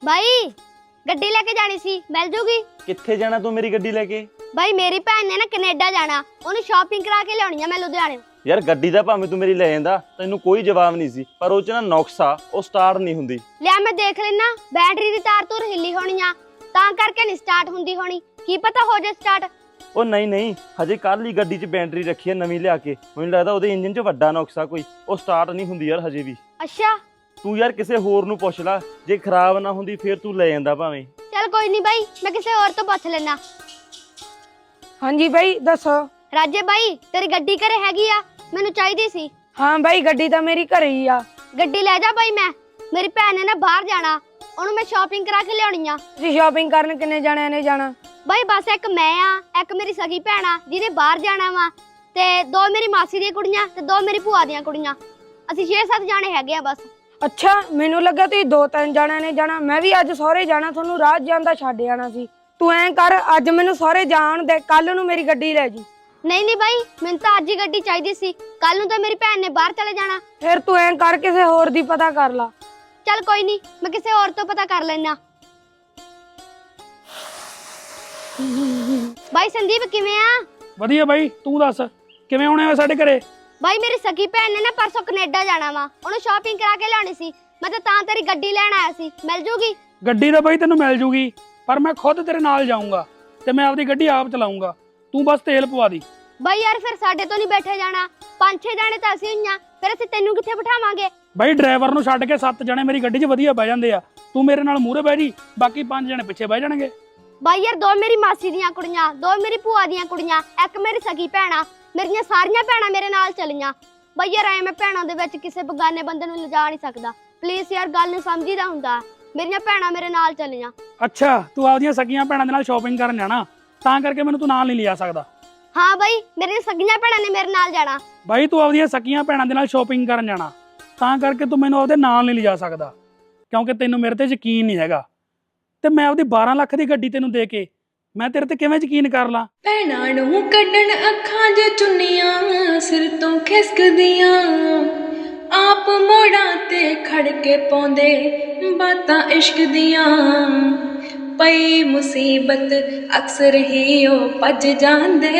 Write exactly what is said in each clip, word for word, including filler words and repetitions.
भाई गड्डी लेके जानी सी मिल जूगी। कित्थे जाना तू मेरी गड्डी लेके? भाई मेरी भैन ने ना कनेडा जाना, ओनू शॉपिंग करा के लियानी है मैं लुधियाने। यार गड्डी दा भाਵੇਂ तू मेरी ले ਜਾਂਦਾ ਤੈਨੂੰ ਕੋਈ ਜਵਾਬ ਨਹੀਂ ਸੀ, ਪਰ ਉਹ ਚ ਨਾ ਨੁਕਸ ਆ, ਉਹ ਸਟਾਰਟ ਨਹੀਂ ਹੁੰਦੀ। ਲਿਆ ਮੈਂ ਦੇਖ ਲੈਣਾ, ਬੈਟਰੀ ਦੀ ਤਾਰ ਤੂਰ ਹਿੱਲੀ ਹੋਣੀ ਆ ਤਾਂ ਕਰਕੇ ਨਹੀਂ ਸਟਾਰਟ ਹੁੰਦੀ ਹੋਣੀ, ਕੀ ਪਤਾ ਹੋ ਜੇ ਸਟਾਰਟ। ਉਹ ਨਹੀਂ ਨਹੀਂ, ਹਜੇ ਕੱਲ ਹੀ ਗੱਡੀ 'ਚ ਬੈਟਰੀ ਰੱਖੀ ਹੈ ਨਵੀਂ ਲਿਆ ਕੇ, ਮੈਨੂੰ ਲੱਗਦਾ ਉਹਦੇ ਇੰਜਨ 'ਚ ਵੱਡਾ ਨੁਕਸ ਆ ਕੋਈ, ਉਹ ਸਟਾਰਟ ਨਹੀਂ ਹੁੰਦੀ ਯਾਰ ਹਜੇ ਵੀ। ਅੱਛਾ ਤੂੰ ਯਾਰ ਕਿਸੇ ਹੋਰ ਨੂੰ ਪੁੱਛ ਲੈ, ਜੇ ਖਰਾਬ ਨਾ ਹੁੰਦੀ ਫੇਰ ਤੂੰ ਲੈ ਜਾਂਦਾ ਭਾਵੇਂ। चल कोई नहीं भाई, मैं किसी और तो पूछ लेना। हाँ जी भाई दसो। राजे भाई तेरी गड्डी घरे हैगी आ, मैनू चाहिदी सी। हाँ भाई गड्डी तो मेरी घरे ही आ। गड्डी ले जा भाई, मैं मेरी भैन ने ना बाहर जाना, ओनू मैं शॉपिंग करा के लियानी आ। तुसीं शॉपिंग करन किन्ने जाने ने जाना? भाई बस एक मैं आ, एक मेरी सगी भैन आ जिहने बाहर जाना वा, ते दो मेरी मासी दी कुड़ियां ते दो मेरी भूआ दी कुड़ियां, असीं छे सत्त जाने हैगे आ बस। अच्छा मैनू लगा तुसीं दो तीन जाने ने जाना, मैं भी अज सहुरे जाना, थोनू राह जांदा छड्ड आना सी। तू ऐं कर अज मैनू सहुरे जाण दे, कल नू मेरी गड्डी ले जी। नहीं नहीं भाई मैनू तां अज ही गड्डी चाहिदी सी, कल नू तां मेरी भैन ने बाहर चले जाना। फिर तू ऐं कर किसे होर दी पता कर ला। चल कोई नहीं, मैं किसी और तो पता कर लेना। भाई संदीप किवें आ? ਵਧੀਆ ਬਾਈ, ਤੂੰ ਦੱਸ ਕਿਵੇਂ ਆਉਣੇ ਹੋ ਸਾਡੇ ਘਰੇ? भाई मेरी सगी भैन ने ना परसों कनेडा जाना वा, ओनू शॉपिंग करा के लियानी सी, मैं तो तां तेरी गड्डी लेन आया सी, मिल जूगी? ਗੱਡੀ ਤਾਂ ਬਾਈ ਤੈਨੂੰ ਮਿਲ ਜੂਗੀ, ਪਰ ਮੈਂ ਖੁਦ ਤੇਰੇ ਨਾਲ ਜਾਊਂਗਾ ਤੇ ਮੈਂ ਆਪਦੀ ਗੱਡੀ ਆਪ ਚਲਾਊਂਗਾ, ਤੂੰ ਬਸ ਤੇਲ ਪਵਾ ਦੀ। भाई यार फिर साडे तो नहीं बैठे जाना, पांच छे जाने तो असीं होईयां, फिर असीं तैनू कित्थे बिठावांगे? ਬਾਈ ਡਰਾਈਵਰ ਨੂੰ ਛੱਡ ਕੇ ਸੱਤ ਜਣੇ ਮੇਰੀ ਗੱਡੀ 'ਚ ਵਧੀਆ ਬਹਿ ਜਾਂਦੇ ਆ, ਤੂੰ ਮੇਰੇ ਨਾਲ ਮੂਹਰੇ ਬਹਿ ਜੀ, ਬਾਕੀ ਪੰਜ ਜਣੇ ਪਿੱਛੇ ਬਹਿ ਜਾਣਗੇ। भाई यार दो मेरी मासी दियां कुड़ियां, दो मेरी भूआ दियां कुड़ियां, एक मेरी सगी भैन आ, मेरियां सारियां भैणां मेरे नाल चलियां। भाई यार ऐ मैं भैणां दे विच किसे बेगाने बंदे नूं लिजा नहीं सकदा, प्लीज यार गल नूं समझीदा हुंदा, मेरियां भैणां मेरे नाल चलियां। ਅੱਛਾ ਤੂੰ ਆਪਦੀਆਂ ਸਕੀਆਂ ਭੈਣਾਂ ਦੇ ਨਾਲ ਸ਼ਾਪਿੰਗ ਕਰਨ ਜਾਣਾ, ਤਾਂ ਕਰਕੇ ਮੈਨੂੰ ਤੂੰ ਨਾਲ ਨਹੀਂ ਲਿਜਾ ਸਕਦਾ। हाँ भाई मेरियां सगियां भैणां ने मेरे नाल जाना। ਬਾਈ ਤੂੰ ਆਪਦੀਆਂ ਸਕੀਆਂ ਭੈਣਾਂ ਦੇ ਨਾਲ ਸ਼ਾਪਿੰਗ ਕਰਨ ਜਾਣਾ, ਤਾਂ ਕਰਕੇ ਤੂੰ ਮੈਨੂੰ ਉਹਦੇ ਨਾਲ ਨਹੀਂ ਲਿਜਾ ਸਕਦਾ, ਕਿਉਂਕਿ ਤੈਨੂੰ ਮੇਰੇ ਤੇ ਯਕੀਨ ਨਹੀਂ ਹੈਗਾ, ਤੇ ਮੈਂ ਆਪਦੀ ਬਾਰਾਂ ਲੱਖ ਦੀ ਗੱਡੀ ਤੈਨੂੰ ਦੇ ਕੇ ਮੈਂ ਤੇਰੇ ਤੇ ਕਿਵੇਂ ਯਕੀਨ ਕਰ ਲਾਂ? ਭੈਣਾਂ ਨੂੰ ਕੱਢਣ ਅੱਖਾਂ 'ਚ ਚੁੰਨੀਆਂ, ਸਿਰ ਤੋਂ ਖਿਸਕਦੀਆਂ, ਆਪ ਮੋੜਾਂ ਤੇ ਖੜ ਕੇ ਪਾਉਂਦੇ ਬਾਤਾਂ ਇਸ਼ਕ ਦੀਆਂ, ਪਈ ਮੁਸੀਬਤ ਅਕਸਰ ਹੀ ਉਹ ਭੱਜ ਜਾਂਦੇ,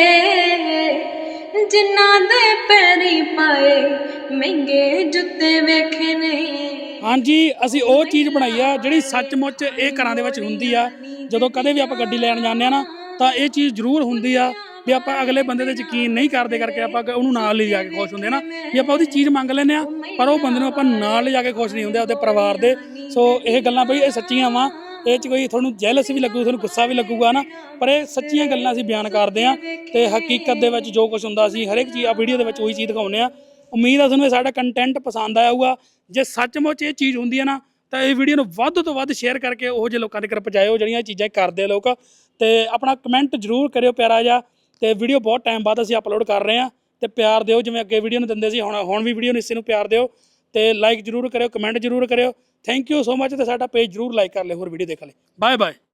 ਜਿਨ੍ਹਾਂ ਦੇ ਪੈਰੀ ਪਾਏ ਮਹਿੰਗੇ ਜੁੱਤੇ ਵੇਖੇ ਨੇ। ਹਾਂਜੀ ਅਸੀਂ ਉਹ ਚੀਜ਼ ਬਣਾਈ ਆ ਜਿਹੜੀ ਸੱਚਮੁੱਚ ਇਹ ਘਰਾਂ ਦੇ ਵਿੱਚ ਹੁੰਦੀ ਆ, ਜਦੋਂ ਕਦੇ ਵੀ ਆਪਾਂ ਗੱਡੀ ਲੈਣ ਜਾਂਦੇ ਆ ਨਾ ਤਾਂ ਇਹ ਚੀਜ਼ ਜ਼ਰੂਰ ਹੁੰਦੀ ਆ ਵੀ ਆਪਾਂ ਅਗਲੇ ਬੰਦੇ ਤੇ ਯਕੀਨ ਨਹੀਂ ਕਰਦੇ ਕਰਕੇ ਆਪਾਂ ਉਹਨੂੰ ਨਾਲ ਲੈ ਜਾ ਕੇ ਖੁਸ਼ ਹੁੰਦੇ ਨਾ, ਵੀ ਆਪਾਂ ਉਹਦੀ ਚੀਜ਼ ਮੰਗ ਲੈਂਦੇ ਆ ਪਰ ਉਹ ਬੰਦੇ ਨੂੰ ਆਪਾਂ ਨਾਲ ਲੈ ਜਾ ਕੇ ਖੁਸ਼ ਨਹੀਂ ਹੁੰਦੇ ਆਪਦੇ ਪਰਿਵਾਰ ਦੇ। ਸੋ ਇਹ ਗੱਲਾਂ ਬਈ ਇਹ ਸੱਚੀਆਂ ਵਾ, ਇਹ 'ਚ ਕੋਈ ਤੁਹਾਨੂੰ ਜੈਲਸ ਵੀ ਲੱਗੂ, ਤੁਹਾਨੂੰ ਗੁੱਸਾ ਵੀ ਲੱਗੂਗਾ ਨਾ, ਪਰ ਇਹ ਸੱਚੀਆਂ ਗੱਲਾਂ ਅਸੀਂ ਬਿਆਨ ਕਰਦੇ ਆ ਤੇ ਹਕੀਕਤ ਦੇ ਵਿੱਚ ਜੋ ਕੁਝ ਹੁੰਦਾ ਅਸੀਂ ਹਰ ਇੱਕ ਚੀਜ਼ ਆ ਵੀਡੀਓ ਦੇ ਵਿੱਚ ਉਹੀ ਚੀਜ਼ ਦਿਖਾਉਂਦੇ ਆ। ਉਮੀਦ ਆ ਤੁਹਾਨੂੰ ਇਹ ਸਾਡਾ ਕੰਟੈਂਟ ਪਸੰਦ ਆਇਆ ਹੋਊਗਾ, ਜੇ ਸੱਚਮੁੱਚ ਇਹ ਚੀਜ਼ ਹੁੰਦੀ ਹੈ ਨਾ ਤਾਂ ਇਹ ਵੀਡੀਓ ਨੂੰ ਵੱਧ ਤੋਂ ਵੱਧ ਸ਼ੇਅਰ ਕਰਕੇ ਉਹ ਜਿਹੇ ਲੋਕਾਂ ਤੱਕ ਪਹੁੰਚਾਇਓ ਜਿਹੜੀਆਂ ਇਹ ਚੀਜ਼ਾਂ ਕਰਦੇ ਲੋਕ, ਤੇ ਆਪਣਾ ਕਮੈਂਟ ਜ਼ਰੂਰ ਕਰਿਓ ਪਿਆਰਾ ਜਿਹਾ, ਤੇ ਵੀਡੀਓ ਬਹੁਤ ਟਾਈਮ ਬਾਅਦ ਅਸੀਂ ਅਪਲੋਡ ਕਰ ਰਹੇ ਹਾਂ ਤੇ ਪਿਆਰ ਦਿਓ ਜਿਵੇਂ ਅੱਗੇ ਵੀਡੀਓ ਨੂੰ ਦਿੰਦੇ ਸੀ, ਹੁਣ ਹੁਣ ਵੀ ਵੀਡੀਓ ਨੂੰ ਇਸੇ ਨੂੰ ਪਿਆਰ ਦਿਓ ਤੇ ਲਾਈਕ ਜ਼ਰੂਰ ਕਰਿਓ, ਕਮੈਂਟ ਜ਼ਰੂਰ ਕਰਿਓ। ਥੈਂਕ ਯੂ ਸੋ ਮਚ, ਤੇ ਸਾਡਾ ਪੇਜ ਜ਼ਰੂਰ ਲਾਈਕ ਕਰ ਲਿਓ ਹੋਰ ਵੀਡੀਓ ਦੇਖਣ ਲਈ। Bye bye.